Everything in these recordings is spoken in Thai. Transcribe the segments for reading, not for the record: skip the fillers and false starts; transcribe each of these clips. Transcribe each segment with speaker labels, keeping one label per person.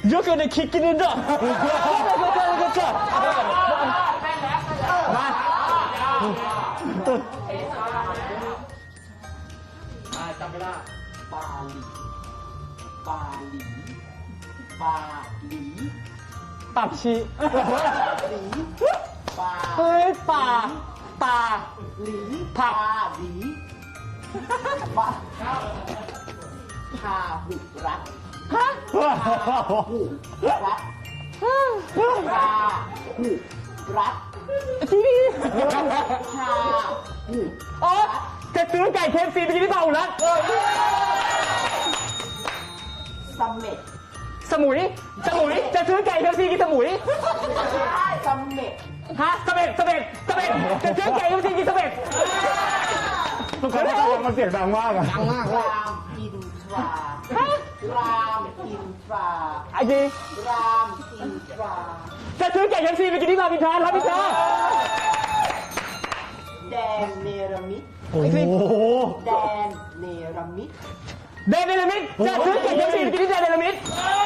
Speaker 1: 여기 내 키키는다. 그렇죠. 마.
Speaker 2: จำไม่ได้ปาหลีปาหลีปาหลี
Speaker 1: 빡시.
Speaker 2: หลีปา
Speaker 1: 헐, 빠.
Speaker 2: หลี
Speaker 1: ผัก
Speaker 2: ปาหลีปาพาหุรัก
Speaker 1: 하?
Speaker 2: หุรักพาหุรัก
Speaker 1: TV.
Speaker 2: พาหุ
Speaker 1: 어? 제 뜨는 까이 KFC 비기니 나오나?
Speaker 2: สมเม็ด
Speaker 1: สมุย จะซื้อไก่ KFC กินสมุย
Speaker 2: สมเม็ด
Speaker 1: ฮะสเปดจะซื้อไก่ KFC กินสเปด
Speaker 3: ทุกคนมันเสียงดังมากอะ
Speaker 2: รามอินทรารามอินทรา
Speaker 1: ไอ้จี
Speaker 2: รามอินทรา
Speaker 1: จะซื้อไก่ KFC ไปกินที่รามอินทรารับอินทรา
Speaker 2: แดนเนรมิต
Speaker 3: โอ้โห
Speaker 2: แดนเนรมิต
Speaker 1: เดนเนลมิดจะซื้อไก่ KFC ไปกินที่แดนเนลมิด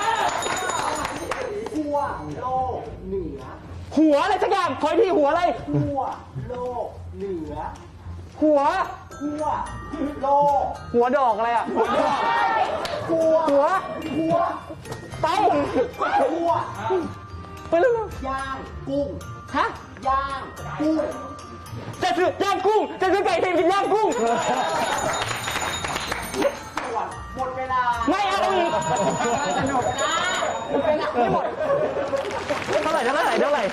Speaker 2: ขั้วโลกเหนือ
Speaker 1: หัวอะไรสักอย่างขออีกทีหัวอะไร
Speaker 2: ขั้วโลกเหนือ
Speaker 1: หัว
Speaker 2: ขั้วโลก
Speaker 1: หัวดอกอะไรอ่ะ
Speaker 2: ขั้ว
Speaker 1: หัว
Speaker 2: ขั้ว
Speaker 1: ไป
Speaker 2: ขั้ว
Speaker 1: ไปเร็ว
Speaker 2: ย่างกุ้ง
Speaker 1: ๆฮะ
Speaker 2: ย่างกุ้ง
Speaker 1: จะซื้อย่างกุ้งจะซื้อไก่ KFC กินย่างกุ้ง
Speaker 2: ส่วนหมดเวลา
Speaker 1: ไม่เอาอีก
Speaker 2: สนุกนะ
Speaker 1: ไม่หมดเท่าไหร่